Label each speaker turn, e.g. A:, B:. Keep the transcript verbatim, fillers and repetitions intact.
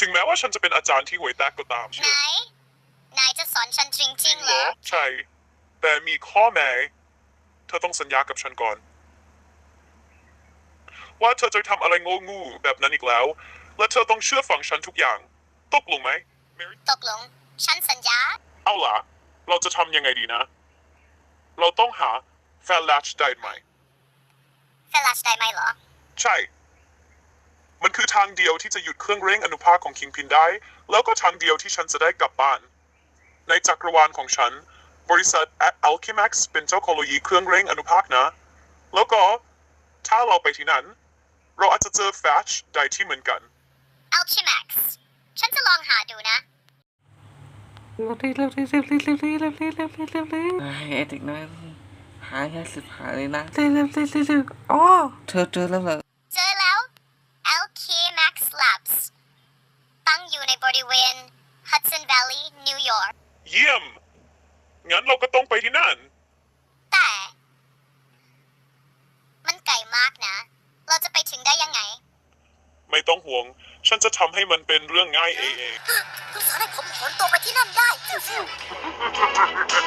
A: ถึงแม้ว่าฉันจะเป็นอาจารย์ที่ห่วยแตกก็ตาม
B: ไหน นายจะสอนฉันจริงๆเหรอ
A: ใช่ แต่มีข้อแม้เธอต้องสัญญากับฉันก่อน ว่าเธอจะทำอะไรโง่งูแบบนั้นอีกแล้ว และเธอต้องเชื่อฟังฉันทุกอย่างตกลงไหม
B: ตกลง ฉันสัญญา
A: เอาล่ะ เราจะทำยังไงดีนะ เราต้องหาแฟลชได้ไหม
B: เฟลัชได้ไหมเหรอ
A: ใช่ มันคือทางเดียวที่จะหยุดเครื่องเร่งอนุภาคของคิงพินได้ แล้วก็ทางเดียวที่ฉันจะได้กลับบ้าน ในจักรวาลของฉัน บริษัท Alchemax เป็นเจ้าของโลยีเครื่องเร่งอนุภาคนะ แล้วก็ถ้าเราไปที่นั้น เราอาจจะเจอแฟลชได้ที่เหมือนกัน
B: Alchemax ฉันจะลองหาดูนะ
C: เร็วดิเร็วดิเร็วดิเร็วดิเร็วดิเร็วดิเร็วดิ
D: ไอ้เด็กน้อยหาแค่สิบหาเลยนะ
C: เร็วเร็วเร็วเร็วเร็วอ๋อ
D: เธอเจอแล้วเหรอ
B: เจอแล้ว Alchemax Labs ตั้งอยู่ในบริเวณ Hudson Valley นิวยอร์ก
A: เยี่ยม งั้นเราก็ต้องไปที่นั่น
B: แต่ มันไกลมากนะ เราจะไปถึงได้ยังไง
A: ไม่ต้องห่วง ฉันจะทำให้มันเป็นเรื่องง่ายเอง
B: คุณสอนให้ผมขนตัวไปที่นั่นได้